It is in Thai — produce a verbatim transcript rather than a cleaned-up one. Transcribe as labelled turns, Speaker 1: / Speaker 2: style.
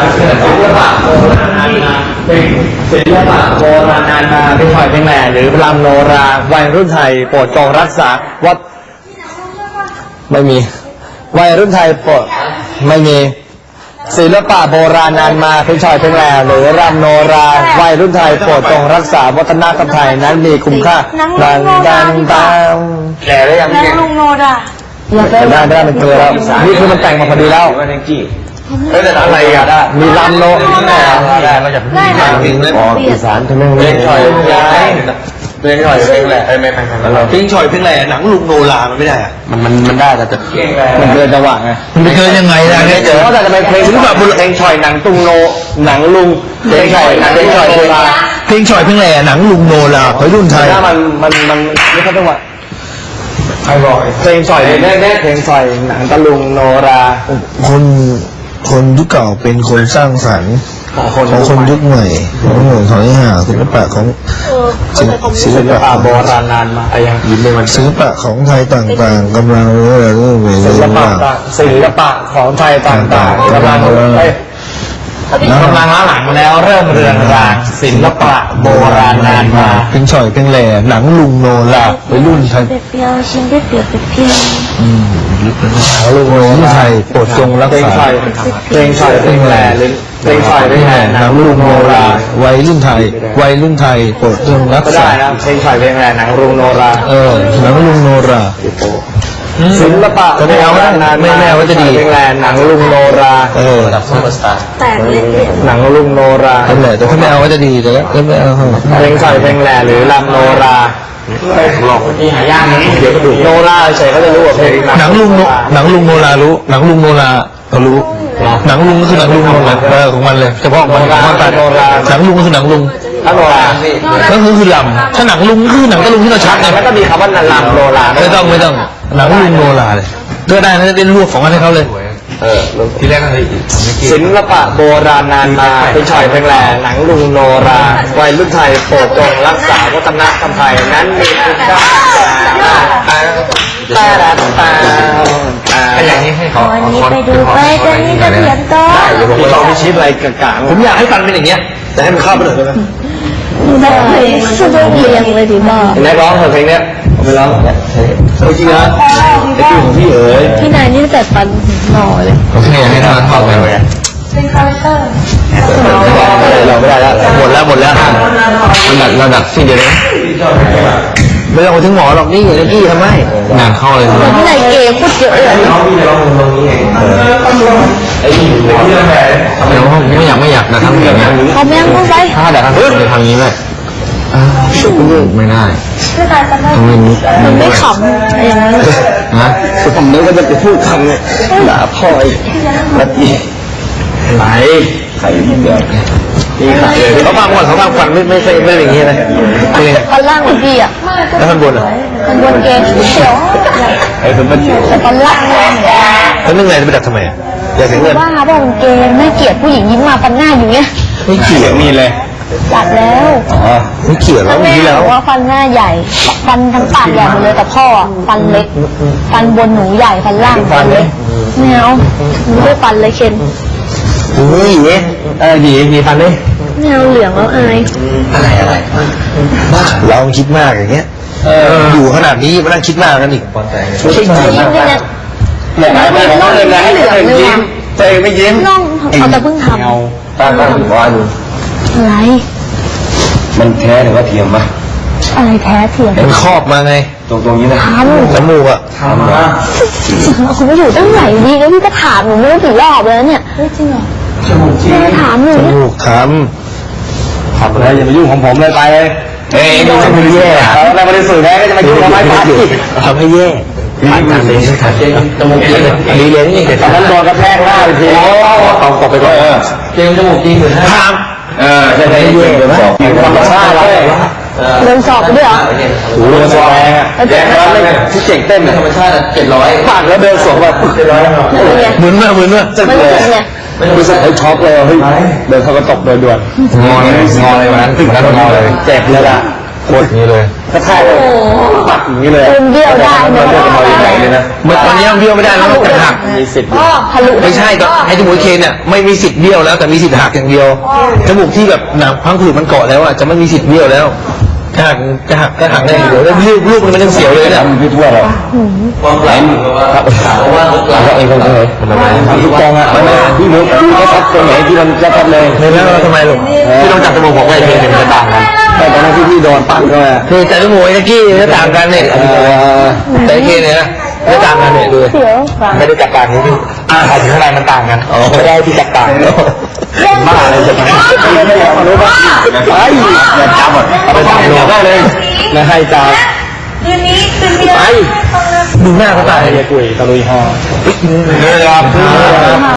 Speaker 1: ศิลปะโบราณนานมาเป็นศิลปะโบราณนานมาเป็นหอยเป็นแหล่หรือรำโนราวัยรุ่นไทยโปรดจงรักษาวัดไม่มีวัยรุ่นไทยโปรดไม่มีศิลปะโบราณนานมาเป็นชอยเป็นแหล่หรือรำโนราวัยรุ่นไทยโปรดจงรักษาวัฒนธรรมไทยนั้นมีคุณค่าดังดังดังแก่ได้ยังแก่ลุงโนราได้ได้ได้มันเกินแล้วนี่คือมันแต่งมาพอดีแล้วเอ้ยแต่อะไรอ่ะมีลำโนได้มาจากได้จริงเลยอีสานทำไมเพลงชอยเพลงชอยเพลงแหล่ไม่ไม่ไม่เพลงชอยเพลงแหล่หนังลุงโนรามันไม่ได้อ่ะมันมันมันได้แต่จะมันเกินจังหวะไงมันเกินยังไงล่ะเนี่ยเจอเขาแต่จะเป็นเพลงที่แบบเพลงชอยหนังตุงโนหนังลุงเพลงชอยหนังเพลงชอยโนรา
Speaker 2: เพลงชอยเพลงแหล่หนังลุงโนราวัยรุ่นไทย
Speaker 1: ถ้ามันมันมันไม่เข้าจังหวะใครบอกเพลงชอยแน่แน่เพลงชอยหนังตะลุงโนรา
Speaker 2: คนคนยุคเก่าเป็นคนสร้างสรรค์ของคนยุคใหม่ของหนุ่มของนี่ห่าศิลปะของ
Speaker 1: ศิลปะโบราณนานมาอะไรอย่างยิ้มเลยมัน
Speaker 2: ศิลปะของไทยต่างๆกำลังเรื่อยๆเรื่อยๆศิลปะ
Speaker 1: ศิลปะของไทยต่างๆกำลังกำลังล้าหลังแล้วเริ่มเรือนรางศิลปะโบราณนานมา
Speaker 2: เพลงฉ่อยเพลงแหล่หนังลุงโนราวัยรุ่นไทย
Speaker 3: เปียวชิมได้เปียวเปียว
Speaker 2: อืมลุงโนราไทยโปรดจงรักษา
Speaker 1: เพลงฉ่อยเพลงแหล่หรือเพลงฉ่อยเพลงแหล่หนังลุงโนรา
Speaker 2: วัยรุ่นไทยวัยรุ่นไทยโปรดจงรักษา
Speaker 1: ได้นะเพลงฉ่อยเพลงแหล่หนังลุงโนรา
Speaker 2: เออหนังลุงโนรา
Speaker 1: ศิลปะ
Speaker 2: ก็ไม่เอาไม่แน่ว่าจะดี
Speaker 1: เพลงแหล่หนังลุงโนรา
Speaker 2: เออ
Speaker 1: ดับซุปเปอร์สตาร์
Speaker 3: แต่เล่น
Speaker 1: หนังลุงโนรา
Speaker 2: นั่นแหละแต่ถ้าไม่เอาว่าจะดีแต่ก็ไม่เอา
Speaker 1: เพลงฉ่อยเพลงแหล่หรือรำโนราหลอกที่หายากนะเดี๋ยวก็ดูโนราเฉยเขาจะรู้ว่าเพลง
Speaker 2: หนังลุงหนังลุงโนรารู้หนังลุงโนราเขารู้หนังลุงก็คือหนังลุงโนราเออของมันเลยเฉพาะมันของมันแต่หนังลุงก็คือหนังลุง
Speaker 1: ถ้าโนรา
Speaker 2: ก็คือคือลำถ้าหนังลุงคือหนังตะลุงที่เราชักไง
Speaker 1: แล้วก็มีคำว่าลำโนรา
Speaker 2: ไม่ต้องไม่ต้องหนังลุงโนราเลยก็ได้นะเป็นรวบของอันให้เขาเลย
Speaker 1: เออที่แรกอะไรศิลปะโบราณนานมาเป็นฉ่อยเพลงแหล่หนังลุงโนราวัยรุ่นไทยโปรดจงรักษาวัฒนธรรมไทยนั้นมีคุณค่าตาตาตา
Speaker 3: อย่างนี้ให้เขาวันนี้ไปดูไปจะนี่จะเขียนต่อ
Speaker 1: เดี๋ยวผมลองไปชี้อะไรกลางๆผมอยากให้ฟังเป็นอย่างเงี้ยแต่ให้มันเข้าไปหน่อยได้ไหม
Speaker 3: ได้สุดเรียงเลยดีมาก
Speaker 1: แม่ร้องเพลงเนี้ยผมไปร้องจริงนะไอ้ที่ของพี่เอ๋ย
Speaker 3: พี่นายนี่แต่ปันหน่อเลย
Speaker 2: โอเคให้ทางเข้าไปเลย
Speaker 3: เป็นคาแรคเตอร์
Speaker 1: เราไม่ได้แล้ว
Speaker 2: หมดแล้วหมดแล้วเราดักเราดักสิ้นเดียวเลยไม่ต้องไปถึงหมอหรอกนี่อย่างนี้ทำไมงานเข้าเลย
Speaker 3: พี่นายเก๋พูดเยอะเลย
Speaker 1: น้องพี่ร้องตรงนี้เองไอ้ที่ที่ทำไม
Speaker 2: เดี๋ยวผมไม่อยากไม่อยากนะทำอย่างนี้
Speaker 3: เขาไม่ยังต้องไป
Speaker 2: ถ้าแต่ทางในทางนี้เลยไม่ได้
Speaker 3: ทำไมมันไม่ขำอย่างนี้
Speaker 2: นะ
Speaker 1: คือผมนึกว่าจะไปพูดคำเนี่ยด่าพ่ออีกนาทีไหนใครเดือดนี่ค่ะเขาฟังก่อนเขาฟังฟังไม่ไม่ใช่ไม่อย่างนี้เลย
Speaker 3: ตอนล่างเหมือนพี่อ่ะ
Speaker 1: แล้วข้างบนอ่ะ
Speaker 3: ข้างบนเกงเขียว
Speaker 1: ไอ้คนมัน
Speaker 3: แต่ตอนล่างเลย
Speaker 2: แล้วนึ่งไงจะไปดักทำไมอยากเห็นเงิน
Speaker 3: ว่าบอกเกงไม่เกลียดผู้หญิงยิ้มมาปันหน้าอยู่เนี่ย
Speaker 1: ไม่เกลียดมีเลย
Speaker 3: จัดแล้ว
Speaker 1: อ๋อไม่เกลียดแล้ว
Speaker 3: มีแล้วว่าฟันหน้าใหญ่ฟันทั้งปากใหญ่หมดเลยแต่พ่อฟันเล็กฟันบนหนูใหญ่ฟันล่างฟันเล็กไม่เอาหนูไม่ฟันเลยเคน
Speaker 1: นี่เออดีมีฟันเลย
Speaker 3: แนวเหลืองแล้วอาย
Speaker 1: อะไรอะไร
Speaker 2: บ้าเราคิดมากอย่างเงี้ยอยู่ขนาดนี้มานั่งคิดมากกันอีก
Speaker 1: ไม่ใช่ยิ้มเนี่ยแหละไม่ไม่ไม่เลยให้ตัวเองยิ้มตัวเองไม่ยิ้ม
Speaker 3: น้องเอาแต่เพิ่งทำ
Speaker 1: เอาตาตาถึงว่าดู
Speaker 3: อะไร
Speaker 1: มันแท้หรือว่าเทียมปะ
Speaker 3: อะไรแท้เทียม
Speaker 2: มันครอบมาไง
Speaker 1: ตรงตรงนี้นะ
Speaker 3: ทำ
Speaker 2: จมูกอะ
Speaker 1: ทำนะ
Speaker 3: คุณไม่อยู่ตั้งไหนดีแล้วพี่ก็ถามหนูไม่รู้กี่รอบแล้วเนี่ยจริงเหรอ
Speaker 1: จมูกจริง
Speaker 3: ถามหนู
Speaker 2: จมูกถาม
Speaker 1: ทำอะไรอย่ามายุ่งของผมเลยไปเลยเฮ้ยนี่จะไม่แย่แล้วบริสุทธิ์แล้วก็จะมายุ่งทำไมไป
Speaker 2: ทำให้แย่
Speaker 1: ผ่านการเลี้ยงขาดเจนจมูกจริงดีเลยนี่ตอนนั้นโดนกระแทกหน้าไปทีโอ้ต้องตบไปก่อนเออเจนจมูกจริงหรือฮะเออใช่ไหมแย่เลยนะธรรมชาติเลย
Speaker 3: เดินสอบด้วยเหรอ
Speaker 1: ถูเดินสอบแรงอ่ะแย่แล้วไม่ที่เจ๋งเต้นธรรมชาติเจ็ดร้อยปากแล้วเดินสอบแบบเจ็ดร้อย
Speaker 2: เหมือนเมื่อเหมือนเมื่อ
Speaker 3: จะเกิดเนี่ย
Speaker 1: ไม่รู้สึกไอ้ช็อกเลยเฮ้ยเดินเขาก็ตกโดยด่วน
Speaker 2: งอเลยงอเลยวันนั้นถึงนั้นงอเลย
Speaker 1: เจ็บเลยล่ะ
Speaker 2: กดอย่างนี้เลย
Speaker 1: กระแทกปักอย่างนี้เลย
Speaker 3: เป็นเบี้ยวได้
Speaker 1: มันเลือดจะมาใหญ่เลยนะ
Speaker 2: มันตอนนี้เบี้ยวไม่ได้แล้วมันจะหัก
Speaker 1: มีสิทธิ์
Speaker 3: พ่อทะลุ
Speaker 2: ไม่ใช่ก็ไอ้จมูกเคนเนี่ยไม่มีสิทธิ์เบี้ยวแล้วแต่มีสิทธิ์หักอย่างเดียวจมูกที่แบบหนังพังผืดมันเกาะแล้วอ่ะจะไม่มีสิทธิ์เบี้ยวแล้วจะหักจะหักก็หักได้อย่างเดียวแล้วลูกลูกมันยังเสียวเลยเนี่ย
Speaker 1: พี่ทั่วเลยความไหลครับเพราะว่าเราเองคนเลยทุกกองอ่ะมันพี่มุกก็ทับตรงไหนที่มันจะทับเลย
Speaker 2: ไม่แล้วทำไมลูกที่ต้องจับจมูกบอกว่าไอ้เคนเนี่ยมันจะต่างกัน
Speaker 1: แต่ตอนนั้นที่พี่โดนปั้นก็
Speaker 2: คือจับจมูกไอ้ตะกี้จะต่างกันเนี่ยแต่ไอ้เคนเนี่ยนะไม่ต่างกันเนี่ยดู
Speaker 3: เสียว
Speaker 2: ไม่ได้จับต่างนี่พี่อ่าถึงข้างในมันต่างกันไม่ได้ที่จับต่างบ้าเลยจะไป
Speaker 1: ไม่อยากมารู้ว่าไอ้อย่าจับหมดเอาไปทำได้เลยไม่ให้จับ
Speaker 3: คืนนี้คืนนี้
Speaker 1: ไป
Speaker 2: ดูหน้าเขาตาย
Speaker 1: ไอ้กุยตะลุยฮอ
Speaker 2: เนี่ยครับ